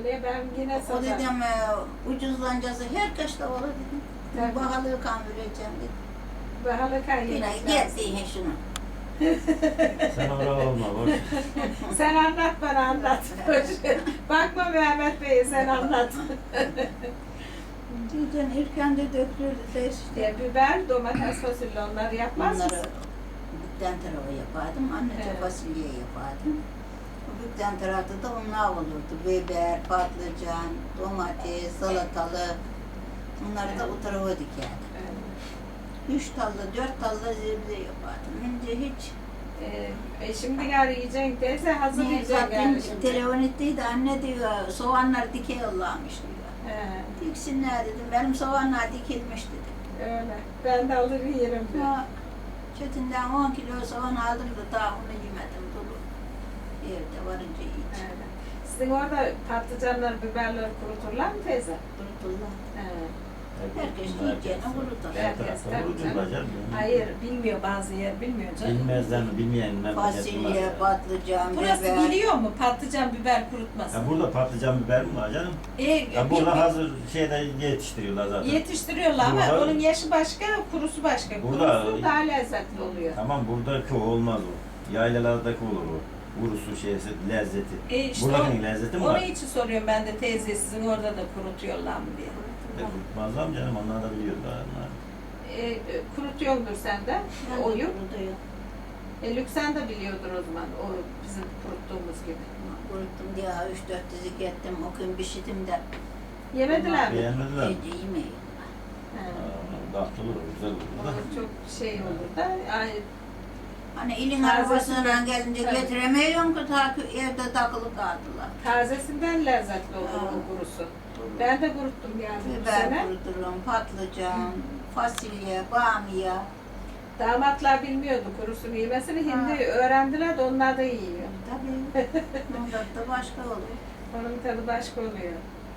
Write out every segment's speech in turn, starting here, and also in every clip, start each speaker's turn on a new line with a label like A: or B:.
A: Öyle ben yine
B: O
A: satarım.
B: dedim ucuzlancası herkes de olur dedim.
A: Evet.
B: Bahalığı kan vereceğim dedim.
A: Bahalı
B: Yine
A: kaynağı.
B: geldi şunu.
C: Sen oraya olma boş.
A: Sen anlat bana anlat. Bakma Mehmet Bey'e sen anlat.
B: Diyeceğim erken de dökülürdü de işte.
A: Biber, domates, fasulye onları yapmaz
B: Onları
A: mısın?
B: bükten tarafı yapardım. Annece
A: Evet.
B: fasulye yapardım. O bükten tarafta da onlar olurdu. Biber, patlıcan, domates, salatalık. Bunları da
A: Evet.
B: o tarafa dikerdim.
A: Evet.
B: 3 tallı, 4 tallı zebze yapardım. Şimdi hiç
A: Şimdi gari yiyeceksin teyze hazır
B: niye
A: yiyeceksin
B: zaten
A: gari şimdi.
B: telefon ettiydi anne diyor soğanlar dike yollamış diyor.
A: He,
B: Diksinler dedim. Benim soğanlar dikilmiş dedim.
A: öyle. Ben de alır yerim.
B: Ya, Çetin'den 10 kilo soğan aldım da daha onu yemedim dolu. Evde varınca yiyeceğim.
A: Öyle. Sizin orada patlıcanlar, biberler kuruturlar mı teyze?
B: Kurtullah.
A: He.
B: Herkes yiyeceğine kurutur.
A: Herkes tabii
C: Vururlar canım.
A: Hayır, bilmiyor bazı yer, bilmiyor canım.
C: Bilmezden bilmeyen
B: Fasulye, patlıcan,
D: Burası
B: biber.
D: biliyor mu patlıcan biber kurutması?
C: Ya burada patlıcan biber mi var canım? Ya burada hazır şeyde yetiştiriyorlar zaten.
D: Yetiştiriyorlar ama
C: Burada-
D: onun yaşı başka, kurusu başka.
C: Burada
A: Kurusu daha lezzetli oluyor.
C: tamam buradaki o olmaz o. Yaylalardaki olur o. Vurusu şeysi lezzeti.
D: İşte
C: Buradakinin lezzeti mi
D: onun
C: var?
D: için soruyorum ben de teyze sizin orada da kurutuyorlar mı diye.
C: Kurtmazlar mı canım? Onlar da biliyorlar. Onlar.
A: Kurutuyordur sen de
B: Ben de
A: oyu.
B: kurutuyor.
A: Lüksen de biliyordur o zaman o bizim kuruttuğumuz gibi.
B: Kuruttum diye 3-4 dizik ettim. O gün pişirdim de.
A: Yemediler mi?
C: Beğenmediler mi?
B: Evde yemeyin.
A: He.
C: Tatlı olur, güzel olur da.
A: O çok şey olur da ay,
B: Hani ilin
A: Taze
B: arabasından gelince
A: Tabii.
B: getiremiyorum ki ta ki evde takılı kaldılar.
A: tazesinden lezzetli olur
B: Ha.
A: o kurusu. Ben de kuruttum yani bu
B: Biber
A: sene.
B: kuruturum, patlıcan, fasulye, bamya.
A: Damatlar bilmiyordu kurusunu yemesini. Hindi öğrendiler de onlar da yiyor.
B: Tabii. Onda da başka olur.
A: Onun tadı başka oluyor.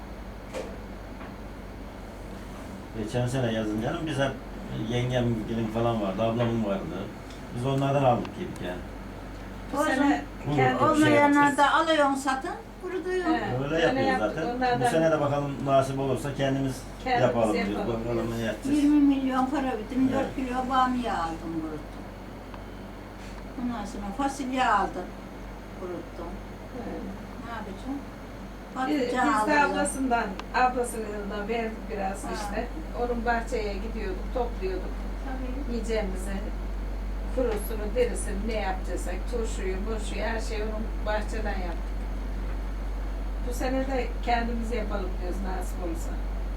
C: Geçen sene yazın canım biz hep yengem gelin falan vardı, ablamın vardı. Biz onlardan aldık yedik yani.
A: Bu
B: O
A: sene
B: zaman
A: kendi
C: Çok şey
B: olmayanlar da alıyorsun satın, kurutuyorsun.
A: He.
C: Öyle
A: Öyle
C: yapıyoruz
A: yaptık,
C: zaten.
A: onlardan-
C: Bu sene de bakalım nasip olursa kendimiz yapalım diyoruz.
A: yapalım
C: Bakalım
A: diyoruz.
C: ne yapacağız.
B: 20 milyon para bitim, 4
C: Evet.
B: kilo bamya aldım kuruttum. Ondan sonra fasulye aldım, kuruttum. Ne yapacağım?
A: Biz
B: Patlıcan
A: de
B: aldım.
A: ablasının yanından verdik biraz
B: Ha.
A: işte. Onun bahçeye gidiyorduk, topluyorduk.
B: Tabii.
A: Yiyeceğimizi, kurusunu, derisini ne yapacaksak, turşuyu, burşuyu her şeyi onun bahçeden yaptık. Bu sene de kendimiz yapalım diyoruz nasip olursa.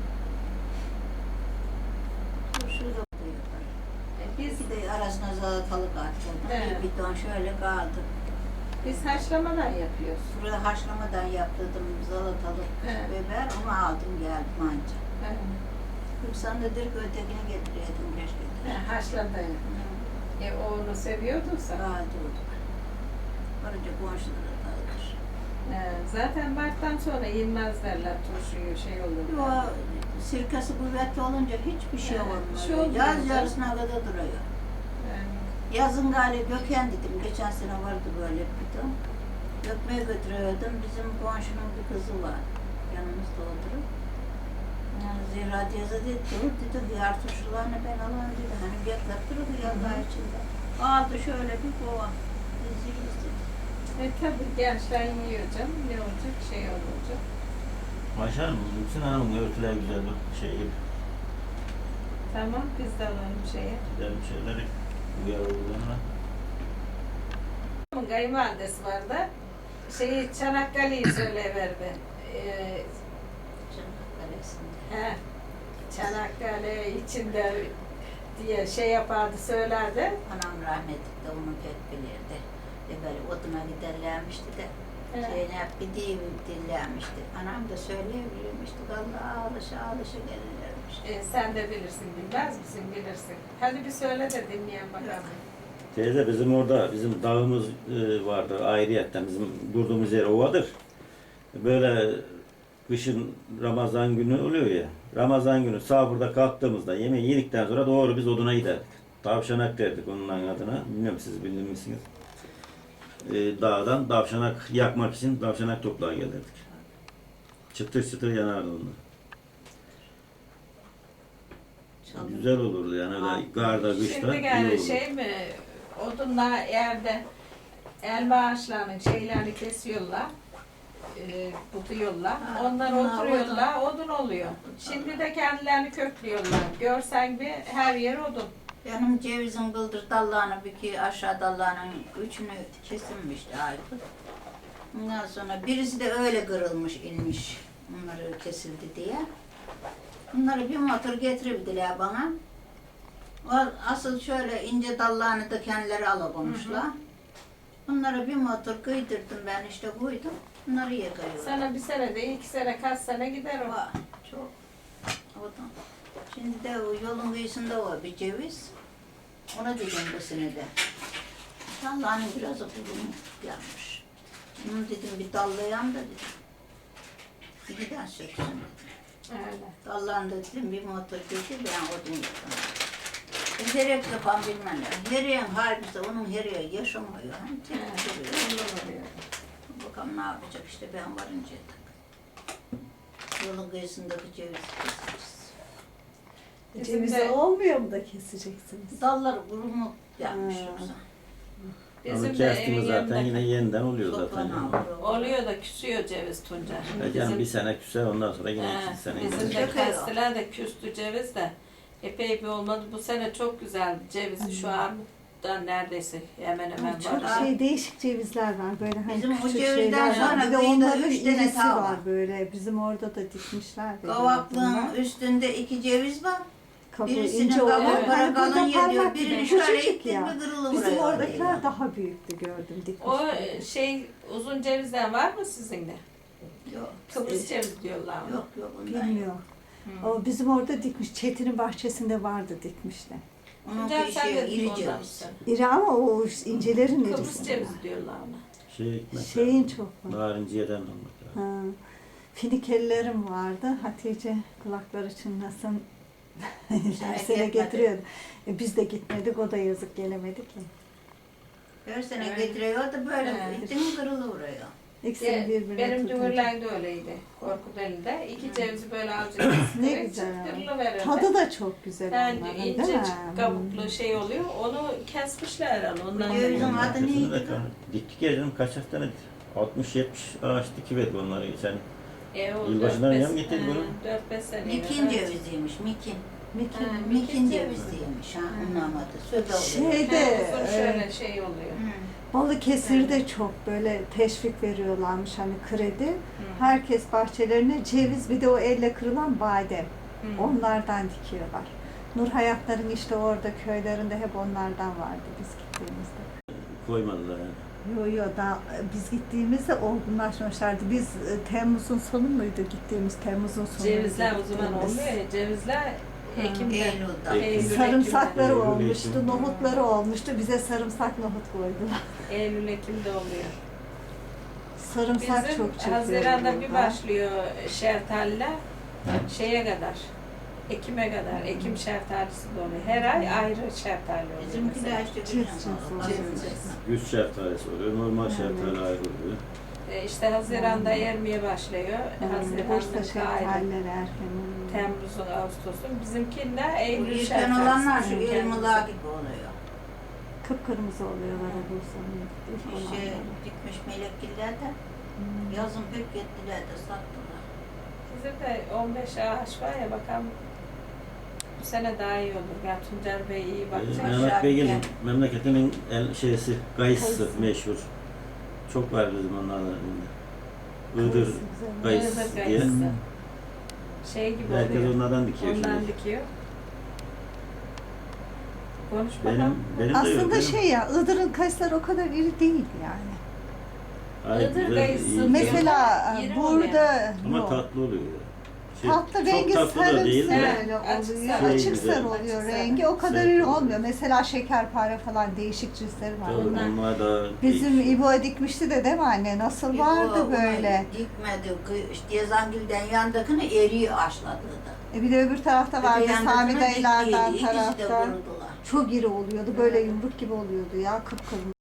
B: Turşuyu da yaparım.
A: Biz
B: Bir de arasına salatalık attım.
A: Evet.
B: Bir bidon şöyle kaldı.
A: haşlamadan yapıyoruz.
B: Burada haşlamadan yaptırdım salatalık,
A: Evet.
B: biber, onu aldım geldim anca.
A: Evet.
B: Yoksa da direkt ötekini getiriyordum keşke.
A: Haşladan. O onu seviyorduysa.
B: Rahat oldu. Varınca komşulara dağıtır.
A: Zaten Mart'tan sonra yenmez derler turşuyu şey olur.
B: O sirkası kuvvetli olunca hiçbir şey
A: Evet,
B: olmuyor.
A: bir şey olmuyor
B: Yaz
A: canım.
B: yarısına kadar duruyor.
A: Yani,
B: Yazın galiba döken dedim. Geçen sene vardı böyle bir bidon. Dökmeye götürüyordum. Bizim komşunun bir kızı var. Yanımızda oturup. Yani Zehra teyze dedi, dur dedi, hıyar turşularını ben alayım dedi. Hani bekler durur hıyarlar içinde. Aldı şöyle bir kova. Biz yiyiz dedi.
A: tabii gençler yiyor canım. Ne olacak? Şey olacak.
C: Başar mı? Bütün hanımın örtüler güzel bir şey gibi.
A: Tamam biz de alalım şeye.
C: Gidelim şeyleri uyar olduğuna.
A: Onun kayınvalidesi var da Çanakkale'yi söyleyiverdi. He, Çanakkale içinde diye şey yapardı söylerdi.
B: Anam rahmetli de onu pek bilirdi. Böyle oduna giderlermişti de.
A: Evet.
B: Zeynep bir dillermişti. Anam da söyleyebilirmişti. Allah alışa gelirlermiş.
A: Sen de bilirsin bilmez misin bilirsin. Hadi bir söyle de dinleyen bakalım.
C: Teyze bizim orada bizim dağımız vardır ayrıyetten bizim durduğumuz yer ovadır. Böyle kışın Ramazan günü oluyor ya. Ramazan günü sahurda kalktığımızda yemeği yedikten sonra doğru biz oduna giderdik. Tavşanak derdik onun adına. Bilmiyorum siz bilir misiniz? Dağdan tavşanak yakmak için tavşanak toplağa gelirdik. Çıtır çıtır yanardı onlar.
B: Çalın.
C: Güzel olurdu yani öyle karda, kışta
A: Şimdi
C: iyi
A: gel
C: olurdu.
A: şey mi, odunla yerde elma ağaçlarının şeylerini kesiyorlar, buduyorlar.
B: Ha,
A: Onlar
B: bunlar
A: oturuyorlar, odun oluyor. Şimdi de kendilerini köklüyorlar. Görsen bir her yer odun.
B: Benim cevizin bıldır dallarını bir ki aşağı dallarının üçünü kesilmişti Aykut. Ondan sonra birisi de öyle kırılmış inmiş. Bunları kesildi diye. Bunları bir motor getirebildiler bana. O asıl şöyle ince dallarını da kendileri alabilmişler. Bunları bir motor kıydırdım ben işte koydum. Bunları yakıyorlar.
A: Sana bir sene de 2 sene kaç sene gider o.
B: Var, çok. Oradan. Şimdi de o yolun kıyısında var bir ceviz. Ona dedim bu sene de. Dallarının biraz bulunu gelmiş. Bunu dedim bir dallayayım da dedim. Bir giden söksün dedim.
A: Öyle.
B: Dallarını da dedim bir motor getir ben odun yapayım. Herek yapan bilmem ne. Hereğin halbisi onun hereği yaşamıyor. Hani tek duruyor.
A: Ondan oluyor.
B: Bakalım ne yapacak işte ben varınca tak. Yolun kıyısındaki cevizi keseceğiz.
A: Bizim
E: Ceviz
A: de-
E: olmuyor mu da keseceksiniz?
B: Dalları kurumu yapmış
E: Ha.
B: yoksa.
C: Onu
A: Bizim de
C: kestiğimiz
A: evin
C: zaten
A: yanında
C: yine yeniden oluyor zaten.
B: Toprağını
C: Yani.
B: alıyor.
A: oluyor da küsüyor ceviz Tuncer.
C: Yani bir sene küser ondan sonra yine
A: He,
C: 2 sene
A: bizim
C: gider.
A: de kestiler de küstü ceviz de. Epey bir olmadı. Bu sene çok güzel ceviz şu armuttan neredeyse hemen hemen
E: Çok
A: var.
E: değişik cevizler var böyle hani
B: Bizim o
E: küçük
B: cevizden
E: şeyler
B: sonra
E: var. Bir de
B: kıyıda
E: onların
B: 3 tane
E: irisi
B: tava.
E: var böyle. Bizim orada da dikmişler. de
B: Kavaklığın
E: bunlar.
B: üstünde 2 ceviz var.
E: Kabuğu
B: Birisinin
E: ince
B: kabuğu
E: olan,
A: Evet.
B: para
E: hani burada
B: kalın yediyor.
E: parmak gibi
B: Birini şöyle
E: küçücük
B: ittin
E: ya.
B: mi kırılı
E: Bizim
B: vuruyor.
E: oradakiler daha büyüktü gördüm
A: O
E: dikmişler.
A: şey uzun cevizden var mı sizin de?
B: Yok.
A: Kıbrıs ceviz diyorlar ona.
B: Yok yok ondan yok.
E: Bilmiyorum.
A: Hı.
E: O bizim orada dikmiş. Çetin'in bahçesinde vardı dikmişler.
B: Onun
A: Tuncer sen de
B: iri
A: ondan
B: ceviz.
A: mısın?
E: İri ama o incelerin
A: Kıbrıs
E: irisi.
A: cevizi diyorlar ona.
C: Şey ekmek.
E: Şeyin çok var.
C: Narinciyeden olmak lazım.
E: Ha. Finikelilerim vardı. Hatice kulakları çınlasın. Her sene
B: gitmedi.
E: getiriyordu. Biz de gitmedik. O da yazık gelemedi ki.
B: Her sene
A: Evet.
B: getiriyor da böyle
A: Evet.
B: ittin mi kırılı vuruyor.
E: İkisini birbirine
A: Benim
E: tutunca.
A: dümürlen de öyleydi. Korkuteli'de. 2 cevizi böyle alacaksın.
E: Ne güzel.
A: Verirdi.
E: Tadı da çok güzel
A: Yani
E: onların, değil
A: ince
E: mi?
A: kabuklu şey oluyor. Onu kesmişler herhalde. Ondan
B: Bu cevizin
A: da-
B: adı neydi lan?
C: Diktik ya canım kaç hafta ne? 60-70 ağaç dikiverdi onları geçen.
A: O
C: Yılbaşından
A: 4-5
C: yan getirdi bunu.
A: 4-5 sene.
B: Mikin ceviziymiş, mikin.
E: Mikin.
A: Ha,
B: Mikin ceviziymiş ha, onun adı. Söyle oluyor.
E: Şeyde
A: Şöyle şey oluyor.
E: Balıkesir'de çok böyle teşvik veriyorlarmış hani kredi. Herkes bahçelerine ceviz bir de o elle kırılan badem.
A: Hı.
E: Onlardan dikiyorlar. Nur Hayatların işte orada köylerinde hep onlardan vardı biz gittiğimizde.
C: Koymadılar yani.
E: Yo daha biz gittiğimizde olgunlaşmışlardı. Biz Temmuz'un sonu muydu gittiğimiz Temmuz'un sonu.
A: Cevizler o zaman olmuyor ya. Cevizler Ekim'de.
B: Eylül'de.
A: Eylül,
E: Sarımsakları
C: Eylül,
E: olmuştu,
C: Ekim.
E: nohutları olmuştu. Bize sarımsak nohut koydular.
A: Eylül, Ekim'de oluyor.
E: Sarımsak
A: Bizim
E: çok çıkıyor.
A: Haziran'da bir
E: burada.
A: başlıyor şeftaliler şeye kadar. Ekim'e kadar. Ekim şeftalisi de oluyor. Her ay ayrı şeftali oluyor.
B: Bizimkiler işte
E: Cins
B: güzel
E: cins
B: olur.
E: oluyor.
A: Cins.
C: Güz şeftalisi oluyor, normal şeftali ayrı oluyor.
A: İşte Haziran'da yermeye başlıyor.
E: Bursa
A: Haziran'da ayrı.
E: şeftalileri erken oluyor.
A: Temmuz'un, Ağustos'un. Bizimkiler
B: Bu
A: Eylül
B: yırtan
A: şeftalisi.
B: olanlar şu
A: bizim
B: elmalar
A: kendimize.
B: gibi oluyor.
E: Kıpkırmızı oluyorlar o Bursa'nın.
B: Şey dikmiş melekgiller de yazın pek gittiler de sattılar.
A: Bizim de 15 ağaç var ya bakalım bu sene daha iyi olur. Ya Tuncer Bey iyi bakacak.
C: Mehmet Bey'in
B: Şarkı.
C: memleketinin şeysi, kayısısı
E: Kayısı.
C: meşhur. Çok var bizim onlardan. Iğdır
E: Kayısı
C: kayısı
A: Iğdır
C: diye.
A: kayısı. Şey gibi
C: Herkes
A: oluyor.
C: onlardan dikiyor
A: Ondan
C: şimdi.
A: dikiyor. Konuş bakalım.
C: Benim de yok.
E: Aslında
C: benim-
E: şey ya, Iğdır'ın kayısıları o kadar iri değil yani.
C: Hayır,
A: Iğdır
C: güzel,
A: kayısı
C: iyi.
A: diyor.
E: Mesela
A: İri
E: burada
C: Ama
E: yok.
C: tatlı oluyor. Şey,
E: Tatlı rengi
C: çok tatlı da değil
E: sarımsı
C: de.
E: öyle
A: Açık
E: oluyor.
A: sarı.
E: Açık
C: Şey
E: sarı
C: güzel.
E: oluyor
A: Açık
E: rengi. O kadar
C: Şey
E: iri
C: oluyor.
E: olmuyor. Mesela şekerpare falan değişik cinsleri var.
C: Tabii
A: Onlar-
C: onlar da
E: Bizim
C: değişik.
E: İbo'ya dikmişti de değil mi anne? Nasıl vardı böyle?
B: Dikmedi. İşte Yazangil'den yandakini eriği aşladı da.
E: Bir de öbür tarafta vardı
B: Öte
E: Sami
B: yandakini
E: dayılardan
B: diktiydi, ikisi de
E: tarafta.
B: vurdular.
E: Çok iri oluyordu. Böyle yumruk gibi oluyordu ya. Kıpkırmızı.